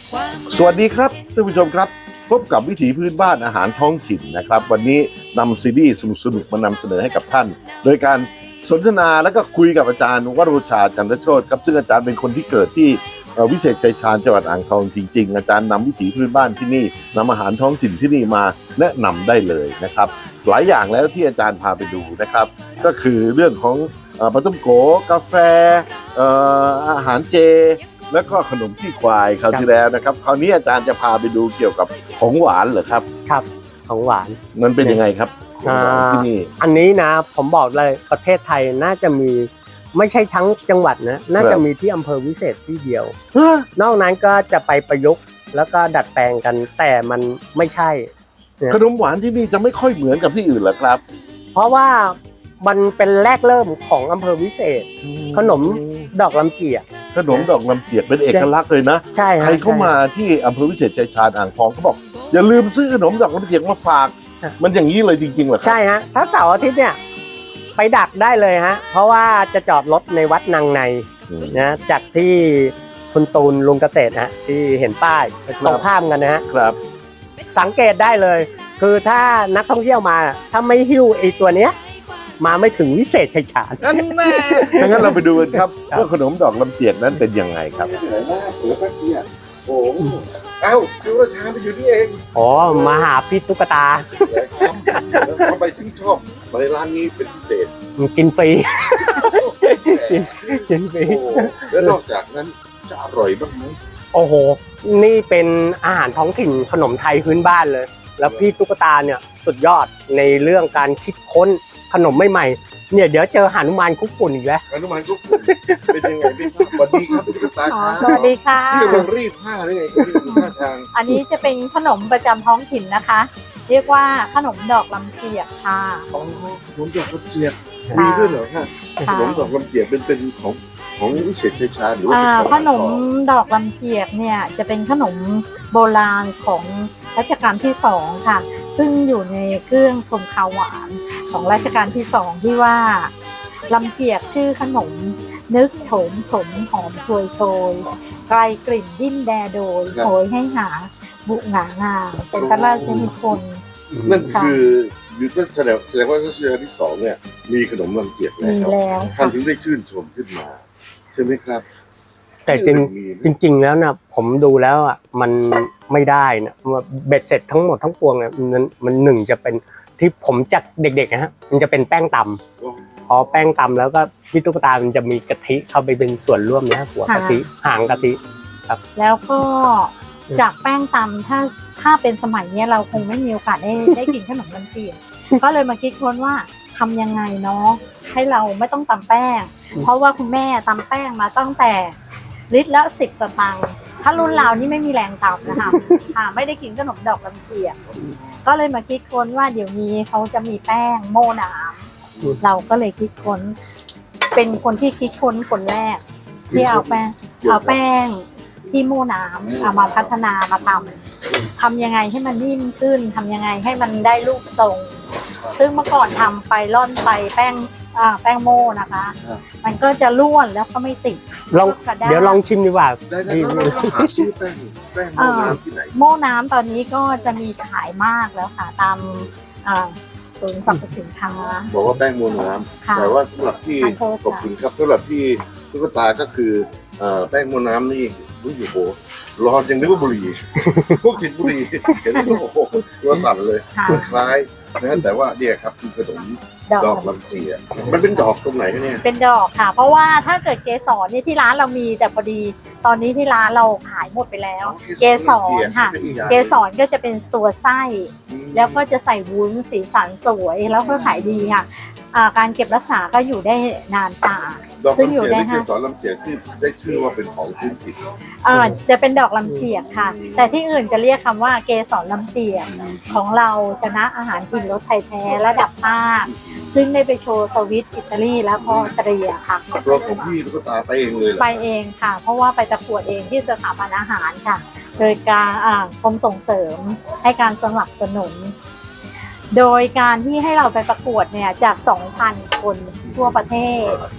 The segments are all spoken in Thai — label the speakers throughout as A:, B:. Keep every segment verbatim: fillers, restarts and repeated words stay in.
A: สวัสดีครับท่านผู้ชมครับพบกับวิถีพื้นบ้านอาหารท้องถิ่นนะครับวันนี้นำซีรีส์สนุกๆมานำเสนอให้กับท่านโดยการสนทนาและก็คุยกับอาจารย์วโรชาจันทโชติครับซึ่งอาจารย์เป็นคนที่เกิดที่วิเศษชัยชาญจังหวัดอ่างทองจริงๆอาจารย์นำวิถีพื้นบ้านที่นี่นำอาหารท้องถิ่นที่นี่มาแนะนำได้เลยนะครับหลายอย่างแล้วที่อาจารย์พาไปดูนะครับก็คือเรื่องของปลาต้มโกกาแฟอาหารเจแล้วก็ขนมขี้ควายคราวที่แล้วนะครับคราวนี้อาจารย์จะพาไปดูเกี่ยวกับของหวานเหรอครับ
B: ครับของหวาน
A: มันเป็นยังไงครับที่นี่
B: อันนี้นะผมบอกเลยประเทศไทยน่าจะมีไม่ใช่ทั้งจังหวัดนะน่าจะมีที่อำเภอวิเศษที่เดียวนอกนั้นก็จะไปประยุกต์แล้วก็ดัดแปลงกันแต่มันไม่ใช่
A: ขนมหวานที่นี่จะไม่ค่อยเหมือนกับที่อื่นเหรอครับ
B: เพราะว่ามันเป็นแรกเริ่มของอำเภอวิเศษขนมดอกลำเจียก
A: ขนมดอกลำเจียกเป็นเอกลักษณ์เลยนะ
B: ใช่
A: ใครเข้ามาที่อำเภอวิเศษชัยชาญอ่างทองเขาบอกอย่าลืมซื้อขนมดอกลำเจียกมาฝากมันอย่างนี้เลยจริงๆเหรอครับ
B: ใช่ฮะถ้าเสาร์อาทิตย์เนี่ยไปดักได้เลยฮะเพราะว่าจะจอดรถในวัดนางในนะจากที่คุณตูนลุงเกษตรฮะที่เห็นป้ายตรงข้ามกันนะฮะ
A: ครับ
B: สังเกตได้เลยคือถ้านักท่องเที่ยวมาถ้าไม่หิ้วไอ้ตัวเนี้ยมาไม่ถึงวิเศษชัยชาญ
A: นั่นแน่ดังนั้นเราไปดูกันครับว่าขนมดอกลำเจียกนั้นเป็นยังไงครับโอ้เอ้าคือราชาไปอยู่นี่เอง
B: อ๋อมาหาพี่ตุ๊กตา
A: ทำไมถึงชอบมาในร้านนี้เป็นพิเศษ
B: กินฟรีกินฟรี
A: แล้วนอกจากนั้นจะอร่อยบ้างไหม
B: โอ้โหนี่เป็นอาหารท้องถิ่นขนมไทยพื้นบ้านเลยแล้วพี่ตุ๊กตาเนี่ยสุดยอดในเรื่องการคิดค้นขนมใหม่ๆเนี่ยเดี๋ยวเจอหนุมานคุกฝุ่นอีกแล้ว
A: หนุมานคุกฝุ่นเป็นยังไงพี่สวัสดีครับพี่ตุ๊กตาครับ
C: สวัสดีค่ะ
A: พี่กำลังรีดผ้าได้ไงรีดผ้าทาง
C: อันนี้จะเป็นขนมประจำท้องถิ่นนะคะ เรียกว่าขนมดอกลำเจียกค่ะ
A: อ๋อขนมดอกลำเจียกมีด้วยเหรอคะขนมดอกลำเจียกเป็นเป็นของของวิเศษชัยชาญหรือว่า
C: ขนมดอกลำเจียกเนี่ยจะเป็นขนมโบราณของรัชกาลที่สองค่ะซึ่งอยู่ในเครื่องชมข้าวหวานของรัชกาลที่สองที่ว่าลำเจียกชื่อขนมนึกโฉมฉมหอมชวยโชยไกลกลิ่นดิ้นแดโดยโหยให้หาบุหงางามเป็นพระราชนิพนธ์
A: นั่นคืออยู่ที่แสดงแสดงว่ารัชกาลที่สองเนี่ยมีขนมลำเจียกแล้วท่านถึงได้ชื่นชมขึ้นมาใช่ไหมครับ
B: แต่จริงจริงๆแล้วนะผมดูแล้วอ่ะมันไม่ได้นะว่าเบ็ดเสร็จทั้งหมดทั้งปวงเนี่ยมันมันหนึ่งจะเป็นที่ผมจากเด็กๆนะฮะมันจะเป็นแป้งตำพอแป้งตำแล้วก็พี่ตุ๊กตามันจะมีกะทิเข้าไปเป็นส่วนร่วมนะหัวกะทิหางกะทิครับ
C: แล้วก็จากแป้งตำถ้าถ้าเป็นสมัยนี้เราคงไม่มีโอกาสได้ได้กินขนมลำเจียกก็เลยมาคิดค้นว่าทำยังไงเนาะให้เราไม่ต้องตำแป้งเพราะว่าคุณแม่ตำแป้งมาตั้งแต่ลิตรละสิบสตางค์ถ้ารุ่นเรานี่ไม่มีแรงตำนะคะค่ะไม่ได้กินขนมดอกลำเจียกก็เลยมาคิดค้นว่าเดี๋ยวนี้เขาจะมีแป้งโม่น้ำเราก็เลยคิดค้นเป็นคนที่คิดค้นคนแรกที่เอาแป้งเอาแป้งที่โม่น้ำเอามาพัฒนามาทำทำยังไงให้มันนิ่มขึ้นทำยังไงให้มันได้รูปทรงซึ่งเมื่อก่อนทำไปร่อนไปแป้งอ่าแป้งโม่นะคะมันก็จะร่วนแล้วก็ไม่ติด
B: ลองเดี๋ยวลองชิมดีกว่า
A: ได้ได้หาซื้อแป้งแป้งโม่น้ำที่ไหน
C: โม่น้ำตอนนี้ก็จะมีขายมากแล้วค่ะตามศูนย์สรรพสินค้า
A: บอกว่าแป้งโม่น้ำแต่ว่าสำหรับที่ขอบคุณครับสำหรับที่ตุ๊กตาก็คือแป้งโม่น้ำนี่รู้อยู่โหร้อนยังนึกว่าบุหรี่พวกติดบุหรี่เห็นแล้วโอ้โหตัวสั่นเลยคล้ายนะแต่ว่าเนี่ยครับคือขนมดอกลำเจียกมันเป็นดอกตรงไหนเนี่ย
C: เป็นดอกค่ะเพราะว่าถ้าเกิดเกสรเนี่ยที่ร้านเรามีแต่พอดีตอนนี้ที่ร้านเราขายหมดไปแล้วเกสรค่ะเกสรก็จะเป็นตัวไส้แล้วก็จะใส่วุ้นสีสันสวยแล้วก็ขายดีค่ะการเก็บรักษาก็อยู่ได้นานตา
A: ซึ่งอยู่ได้ค่ะเกสรลำเจียกที่ได้ชื่อว่าเป็นของพื้นถิ่น
C: อ่าจะเป็นดอกลำเจียกค่ะแต่ที่อื่นจะเรียกคำว่าเกสรลำเจียกของเราชนะอาหารถิ่นรสไทยแท้ระดับภาคซึ่งได้ไปโชว์สวิตอิตาลีแล้วก็ออสเตรียค่ะ
A: ตัวของพี่ตุ๊กตาไปเองเลย
C: ไปเองค่ะเพราะว่าไปประกวดเองที่สถาบันอาหารค่ะโดยการอ่ากรมส่งเสริมให้การสนับสนุนโดยการที่ให้เราไปประกวดเนี่ยจาก สองพัน คนทั่วประเทศ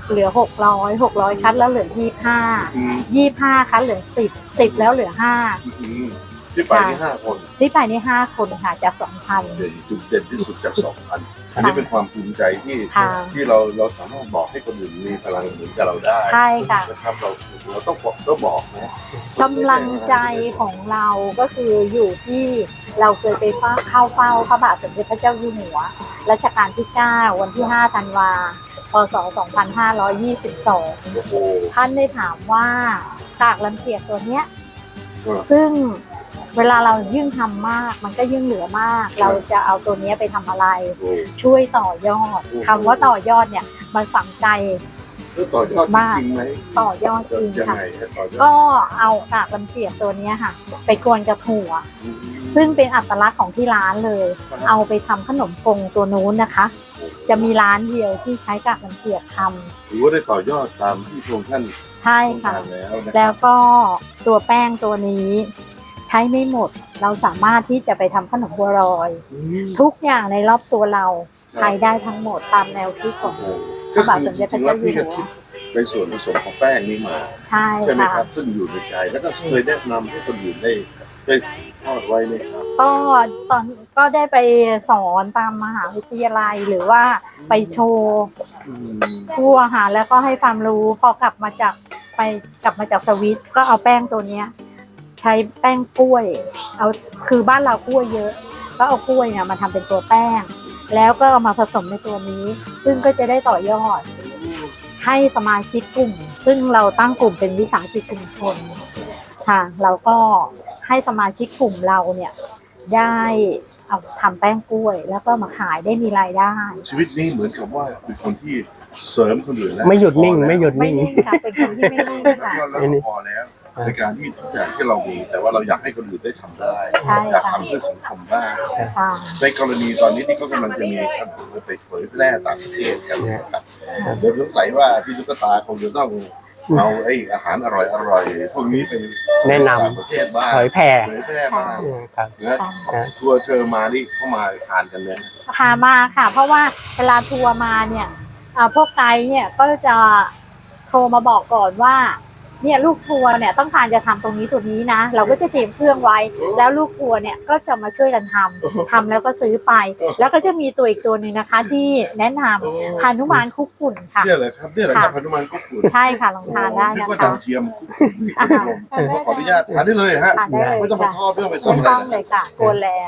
C: เหลือหกร้อยหกร้อยคัดแล้วเหลือยี่ห้า
A: อืม
C: ยี่ห้าคัดเหลือสิบสิบแล้วเหลือห้า
A: อืมที่ไปที่ห้าคน
C: ที่ไปนี่ห้าคนค่ะจากสองพัน
A: เด่นจุดเด่นที่สุดจากสองพันอันนี้เป็นความภูมิใจที่
C: ค่ะ
A: ที่เราเราสามารถบอกให้คนอื่นมีพลังเหมือนกับเราได้
C: ใช่ค่ะ
A: นะครับเราเราต้องบอกต้องบอกนะ
C: กำลังใจของเราก็คืออยู่ที่เราเคยไปเฝ้าเข้าเฝ้าพระบาทสมเด็จพระเจ้าอยู่หัวรัชกาลที่เก้าวันที่ห้าธันวาพศสองพันห้าร้อยยี่สิบสอง
A: โอ้โห
C: ท่านได้ถามว่ากากลำเจียกตัวเนี้ย
A: ครับ
C: ซึ่งเวลาเรายิ่งทำมากมันก็ยิ่งเหลือมาก เราจะเอาตัวเนี้ยไปทำอะไร
A: โอ้
C: ช่วยต่อยอดคำว่าต่อยอดเนี่ยมันฝังใจ
A: แล้วต่อยอดจริงไหม
C: ต่อยอดจริง
A: ยัง
C: ค่ะ
A: ไงฮะต่อยอด
C: ก็เอากากลำเจียกตัวเนี้ยค่ะ ไปกวนกับถั่ว ซึ่งเป็นอัตลักษณ์ของที่ร้านเลย เอาไปทำขนมกงตัวนู้นนะคะ จะมีร้านเดียวที่ใช้กากลำเจียกทำ
A: ถือว่าได้ต่อยอดตามที่พระองค์ท่าน
C: ใช่
A: ต้อง
C: ค่ะ
A: การแล้วนะค
C: แล้
A: รั
C: ว
A: บ
C: ก็ตัวแป้งตัวนี้ใช้ไม่หมด เราสามารถที่จะไปทำขนมบัวลอย
A: อืม
C: ทุกอย่างในรอบตัวเรา
A: ครับ
C: ใช้ได้ทั้งหมดตามแนวคิดของ
A: โอ้โห
C: พระบาทสมเด็จพระเจ้าอยู่หัว
A: ก็คือจริงๆแล้วพี่ก็คิดในส่วนผสมของแป้งนี้มา
C: ใช่
A: ใช่ไหม
C: ค่ะ
A: ครับ ซึ่งอยู่ในใจแล้วก็เคยแนะนำให้คนอื่นได้ได้สืบทอดไว้ไหมครับ
C: ก็ตอนก็ได้ไปสอนตามมหาวิทยาลัยหรือว่าไปโชว์
A: อืม
C: ทั่วค่ะแล้วก็ให้ความรู้พอกลับมาจากไปกลับมาจากสวิตก็เอาแป้งตัวเนี้ย ใช้แป้งกล้วย เอาคือบ้านเรากล้วยเยอะ ก็เอากล้วยเนี่ยมาทำเป็นตัวแป้ง แล้วก็เอามาผสมในตัวนี้ ซึ่งก็จะได้ต่อยอด ให้สมาชิกกลุ่ม ซึ่งเราตั้งกลุ่มเป็นวิสาหกิจชุมชนค่ะเราก็ให้สมาชิกกลุ่มเราเนี่ยได้เอาทำแป้งกล้วย แล้วก็มาขายได้มีรายได้
A: ชีวิตนี้เหมือนกับว่าเป็นคนที่เสริมคนอื่นแล้ว
B: ไม่หยุดนิ่งไม่หยุด
C: ไม่
B: นิ่ง
C: นิ่งค่ะเป็นคนที่ไม่นิ่ง
A: แล้ว
C: ค่ะ
A: ก็แล้วก็พอแล้วในการที่ทุกอย่างที่เรามี แต่ว่าเราอยากให้คนอื่นได้ทำได้
C: ใช่
A: อยาก
C: ค่ะ
A: ทำเพื่อสังคมบ้าง
C: ค่ะ
A: ในกรณีตอนนี้ที่เขากำลังจะมีขนมไปเผยแพร่ต่างประเทศกันนะครับเดี๋ยวสงสัยว่าพี่ตุ๊กตาคงจะต้องเอาไอ้อาหารอร่อยๆพวกนี้ไป
B: แนะนำ
A: ต่างประเทศบ้าง
B: เผยแผ่
A: เผยแพร่บ้าง
B: ครับ
A: นะทัวร์เชิญมานี่เข้ามาทานกันเลย
C: พามาค่ะ เพราะว่าเวลาทัวร์มาเนี่ยอ่าพวกไกด์เนี่ยก็จะโทรมาบอกก่อนว่าเนี่ยลูกทัวร์เนี่ยต้องการจะทำตรงนี้ตรงนี้นะ เราก็จะเตรียมเครื่องไว้ แล้วลูกทัวร์เนี่ยก็จะมาช่วยกันทำทำแล้วก็ซื้อไป แล้วก็จะมีตัวอีกตัวหนึ่งนะคะ ที่แนะนำฮานุมานคุกฝุ่นค่ะ
A: เนี่ยแหละครับเนี่ยแหละครับพนุมานกุ๊กกุ่น
C: ใช่ค่ะลองทานได้
A: นึก
C: นะ
A: ว่า
C: คะ
A: ดาวเทียมกุ๊กกุ่นนี่คุณผู้ชมขออนุญาตทานได้เลยฮะ
C: ทานได้เลย
A: ไม่ต้องไป
C: ค่ะ
A: ทอดไม่ต้องไป
C: ถูก
A: ทำอะไร
C: ต้อง
A: นะ
C: เลยค่ะโกนแล้ว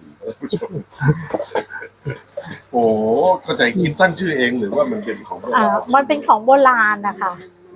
A: โอ้โหเข้าใจคิดตั้งชื่อเองหรือว่ามันเป็นของโบ
C: อ่า
A: ราณ
C: มันเป็นของโบราณนะคะ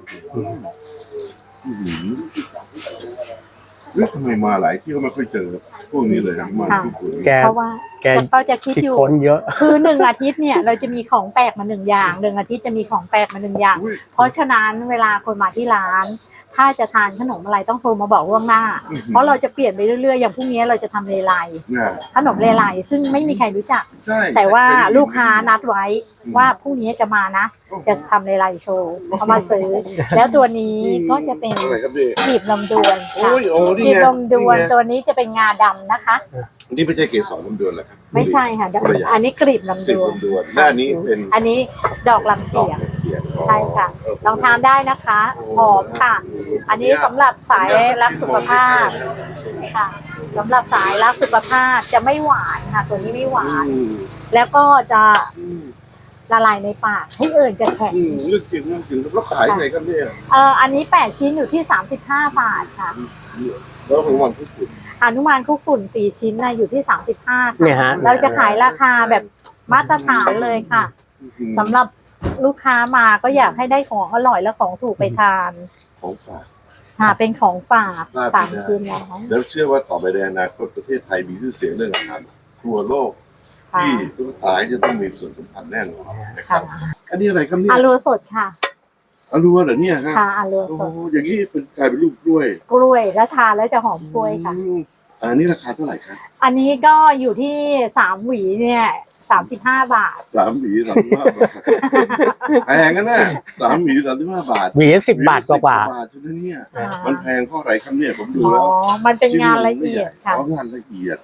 A: อื้อหือเอ๊ะทำไมมาหลายที่ก็ไม่ค่อยเจอพวกนี้เลยฮะมากุ๊กกุ่น
B: แก
C: เพราะว่า
B: แก
C: ก็จะคิด
B: คิด
C: อยู่
B: ค้นเยอะ
C: คือหนึ่งอาทิตย์เนี่ยเราจะมีของแปลกมาหนึ่งอย่างหนึ่งอาทิตย์จะมีของแปลกมาหนึ่งอย่าง
A: อุ้ย
C: เพราะฉะนั้นเวลาคนมาที่ร้าน ถ้าจะทานขนมอะไรต้องโทรมาบอกล่วงหน้า เพราะเราจะเปลี่ยนไปเรื่อยๆอย่างพรุ่งนี้เราจะทำเลไล
A: เนี่ย
C: ขนมเลไลซึ่งไม่มีใครรู้จัก
A: ใช่
C: แต่ว่า
A: เคยได้ยิน
C: ลูกค้านัดไว้ว่าพรุ่งนี้จะมานะ จะทำเลไลโชว์เขามาซื้อ แล้วตัวนี้ก็จะเป็น
A: อะไรครับพี่
C: กลีบลำดวน
A: โอ้
C: ค่ะ
A: ยโอ้นี่
C: กลีบ
A: ไง
C: ลำดวน
A: นี่ไง
C: ตัวนี้จะเป็นงาดำนะคะ
A: นี่ไม่ใช่เกสรลำดวนเหรอครับ
C: ไม่ใช่ค่ะ
A: คนละอย่าง
C: อันนี้กลีบลำ
A: ติ
C: ด
A: ด
C: วน
A: ลำดวนหน้านี้เป็น
C: อันนี้ดอกลำ
A: ดอ
C: เจี
A: ก
C: ยก
A: เขียน
C: ใช่ค่ะ ลองทานได้นะคะหอมค่ะ อันนี้สำหรับสายรักสุขภาพค่ะสำหรับสายรักสุขภาพจะไม่หวานค่ะ ตัวนี้ไม่หวาน
A: อืม
C: แล้วก็จะ
A: อืม
C: ละลายในปากให้เอื่นจะแข็ง
A: อืมเรื่องจริงเรื่องจริงแล้วขายไงครับเนี่ย
C: เอ่ออันนี้แปดชิ้นอยู่ที่สามสิบห้าบาทค่ะ
A: แล้วของวันพุธ
C: อนุมานคุกฝุ่นสี่ชิ้นนะอยู่ที่สามสิบห้า
B: เนี่ยฮะ
C: เราจะขายราคาแบบมาตรฐานเลยค่ะสำหรับลูกค้ามาก็อยากให้ได้ของอร่อยและของถูกไปทาน
A: ของฝาก
C: ค่ะเป็นของฝาก
A: ฝาก
C: สาม
A: ไปได้
C: ชิ้นแล้ว
A: แล้วเชื่อว่าต่อไปในอนาคตประเทศไทยมีชื่อเสียงเรื่องอาหารทั่วโลก
C: ค่ะ
A: ที่ทุกตายจะต้องมีส่วนสำคัญแน่นอนนะค
C: ค่ะ
A: รับ อันนี้อะไรครับเนี่ย
C: อารัวสดค่ะ
A: อรัวเหรอเนี่ยฮะ
C: ค่ะอารัว
A: โอ้
C: สด
A: อย่างนี้เป็นกลายเป็นลูกกล้วย
C: กล้วยแล้วทานแล้วจะหอมกล้วยค่ะ
A: อืมอันนี้ราคาเท่าไหร่ครับ
C: อันนี้ก็อยู่ที่สามหวีเนี่ยสามสิบห้าบาท
A: สามหวีสามสิบห้าบาทแพงกันนะสามหวีสามสิบห้าบาท
B: หวีสิบบาทกว่า
A: บาทใช่ไหมเนี่ย
C: อ่า
A: มันแพงเพราะอะไรครับเนี่ยผมดู
C: อ๋อ
A: แล้ว
C: มันเป็นงานละเอียดค่ะ
A: อ๋องานละเอียด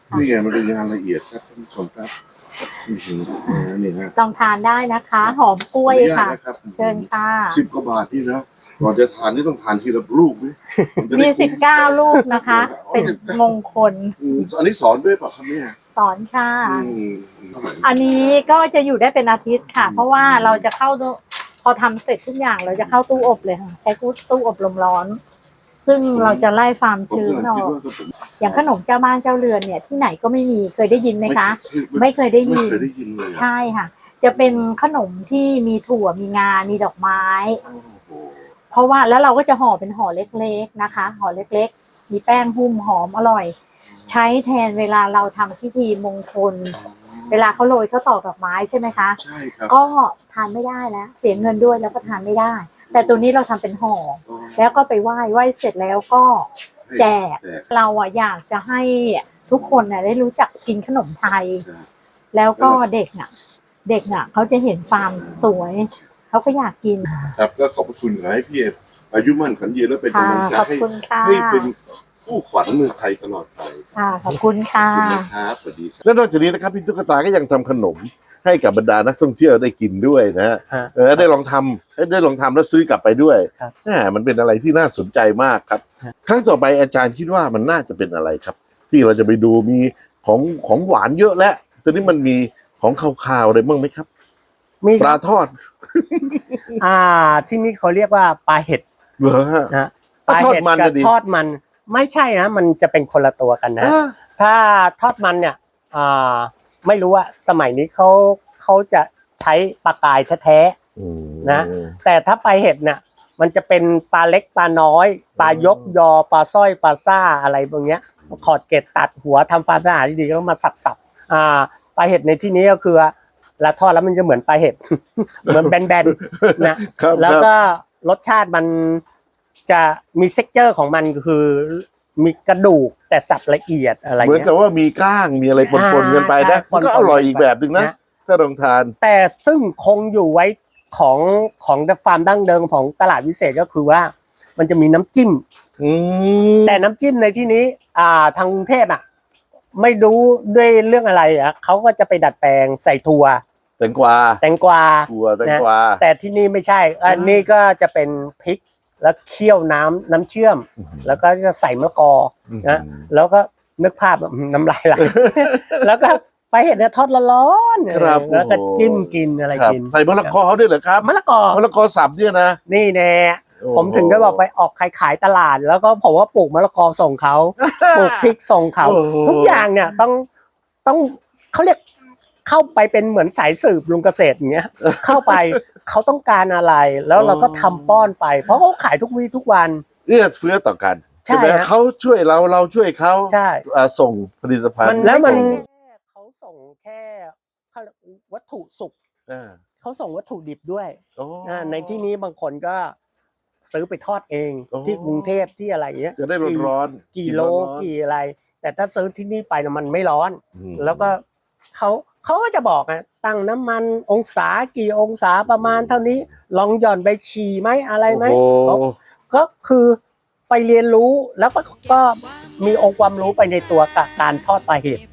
A: นี่ไงมันเป็นงานละเอียดครับท่านผู้ชมครับอื้อหือนี่ฮะ
C: ลองทานได้นะคะ หอมกล้วยค่ะ
A: ขออนุญาตนะครับ
C: เชิญค่ะ
A: สิบกว่าบาทนี่นะก่อนจะทานนี่ต้องทานทีละลูกไหมนจะได้
C: มีสิบเก้าลูกนะคะ เป็นมงคล
A: อืมอันนี้สอนด้วยเปล่ะครับเนี่ย
C: สอนค่ะ
A: อืม
C: อันนี้ก็จะอยู่ได้เป็นอาทิตย์ค่ะ เพราะว่าเราจะเข้าตู้พอทำเสร็จทุกอย่างเราจะเข้าตู้อบเลยค่ะใช้ตู้อบลมร้อน ซึ่งเราจะไล่ความ
A: ผม
C: ชื้น
A: กำลัง
C: อ
A: คิด
C: อก
A: ว่าถ้าผม
C: อย่างขนมเจ้าบ้านเจ้าเรือนเนี่ยที่ไหนก็ไม่มีเคยได้ยินไหมคะ
A: ไม่
C: ไม่เคยได้
A: ไม่
C: ยิน
A: เคยได้ยินเลยอะ
C: ใช่ค่ะ จะเป็นขนมที่มีถั่วมีงา มีดอกไม้
A: โอ้โห
C: เพราะว่าแล้วเราก็จะห่อเป็นห่อเล็กๆนะคะ ห่อเล็กๆ มีแป้งหุ้มหอมอร่อย ใช้แทนเวลาเราทำพิธีมงคล เวลาเขาโรยเขาวตอกดอกไม้ใช่ไหมคะ
A: ใช่ครับ
C: ก็ทานไม่ได้แล้วเสียเงินด้วยแล้วก็ทานไม่ได้ แต่ตัวนี้เราทำเป็นห่อแล้วก็ไปไหว้ไหว้เสร็จแล้วก็แจก
A: แจก
C: เราอะอยากจะให้ทุกคนน่ะได้รู้จักกินขนมไทย
A: ครับ
C: แล้วก็เด็กน่ะ เด็กน่ะเขาจะเห็นความสวยเขาก็อยากกิน
A: ครับก็ขอบพระคุณขอให้พี่เออายุมั่นขวัญยืนและเป็น
C: ค่ะ
A: กำลังใจ
C: ขอบ
A: ให้
C: คุณค่ะ
A: ให้เป็นผู้ขวัญเมืองไทยตลอดไป
C: ค่ะขอบคุณค่ะ
A: ขอบคุณนะครับสวัสดีและนอกจากนี้นะครับพี่ตุ๊กตาก็ยังทำขนมให้กับบรรดานักท่องเที่ยวได้กินด้วยนะฮะ
B: ฮะ
A: เออได้ลองทำให้ได้ลองทำแล้วซื้อกลับไปด้วย
B: ครับ
A: แหมมันเป็นอะไรที่น่าสนใจมากครับ
B: ฮะ
A: ครั้งต่อไปอาจารย์คิดว่ามันน่าจะเป็นอะไรครับ ที่เราจะไปดูมีของของหวานเยอะแล้วตอนนี้มันมีของคาวๆอะไรบ้างไหมครับ
B: มี
A: ปลาทอด
B: อ่าที่นี่เขาเรียกว่าปลาเห็ด
A: เหรอฮะ
B: นะป
A: ก็
B: ลา
A: ทอด
B: เห็ด
A: มัน
B: กั
A: จะ
B: บ
A: ดี
B: ทอดมันไม่ใช่นะมันจะเป็นคนละตัวกันนะ
A: อ่า
B: ถ้าทอดมันเนี่ยอ่าไม่รู้ว่าสมัยนี้เขาเขาจะใช้ปลากายแท้
A: อืม
B: นะ ๆแต่ถ้าปลาเห็ดเนี่ยมันจะเป็นปลาเล็กปลาน้อยปลายกยอปลาสร้อยปลาซ่าอะไรพวกเนี้ยขอดเกล็ดตัดหัวทำความสะอาดดีๆแล้วมาสับๆอ่าปลาเห็ดในที่นี้ก็คือแล้วทอดแล้วมันจะเหมือนปลาเห็ด เหมือนแบนๆนะครับ แล้วก็รสชาติมันจะมีเซ็กเจอร์ของมันคือมีกระดูกแต่สับละเอียดอะไร
A: เหมือน
B: เงี้
A: กับ
B: ย
A: ว่ามีก้างมีอะไรปนๆกันไปนะ
B: อ่า
A: มันก็อร่อยอีกแบบหนึ่งนะ
B: นะ
A: ถ้าลองทาน
B: แต่ซึ่งคงอยู่ไว้ของของฟาร์มดั้งเดิมของตลาดวิเศษก็คือว่า มันจะมีน้ำจิ้ม
A: อืม
B: แต่น้ำจิ้มในที่นี้ อ่าทางกรุงเทพอ่ะไม่รู้ด้วยเรื่องอะไรอ่ะเขาก็จะไปดัดแปลงใส่ถั่ว
A: แตงกวา
B: แตงกวา
A: ถั่วแตงกวา
B: แต่ที่นี่ไม่ใช่ อันนี้ก็จะเป็นพริกแล้วเคี่ยวน้ำน้ำเชื่อม แล้วก็จะใส่มะละกอนะแล้วก็นึกภาพแบบน้ำลายไหล แล้วก็ไปเห็นเนี่ยทอดร้อนๆ
A: ครับ
B: แล้วก็จิ้มกินอะไร
A: ครับ
B: กิน
A: ใส่มะละกอด้วยเหรอครับ
B: มะละกอ
A: มะละกอสับเนี่ยนะ
B: นี่แน่
A: โอ้โห
B: ผมถึงได้บอกไปออกขายขายตลาด แล้วก็ผมว่าปลูกมะละกอส่งเขา ปลูกพริกส่งเขา
A: โอ้โห
B: ทุกอย่างเนี่ยต้องต้องเขาเรียกเข้าไปเป็นเหมือนสายสืบลุงเกษตรอย่างเงี้ย เข้าไปเขาต้องการอะไร แล้วเราก็ทำป้อนไป เพราะเขาขายทุกวี่ทุกวัน
A: เอื้อเฟื้อต่อกัน
B: ใช่
A: ไหม
B: ฮะ
A: เขาช่วยเราเราช่วยเขา
B: ใช่
A: อ่าส่งผลิตภัณฑ์
B: แล้วมัน
A: ส่ง
B: เขาส่งแค่เขาวัตถุสุก
A: อ่า
B: เขาส่งวัตถุดิบด้วย
A: โอ้
B: อ่าในที่นี้บางคนก็ซื้อไปทอดเอง
A: โอ้
B: ที่กรุงเทพที่อะไรอย่างเงี้ย
A: จะได้ร้อนๆ
B: กี่โล
A: ร้อนๆ
B: กี่อะไร แต่ถ้าซื้อที่นี่ไปนะมันไม่ร้อน
A: อืม
B: แล้วก็เขาเขาก็จะบอกอะตั้งน้ำมันองศากี่องศาประมาณเท่านี้ลองหย่อนไปฉี่ไหมอะไรไหม
A: โอ้โห
B: เขาก็คือไปเรียนรู้แล้วก็ก็มีองค์ความรู้ไปในตัวกับการทอดปลาเห็ด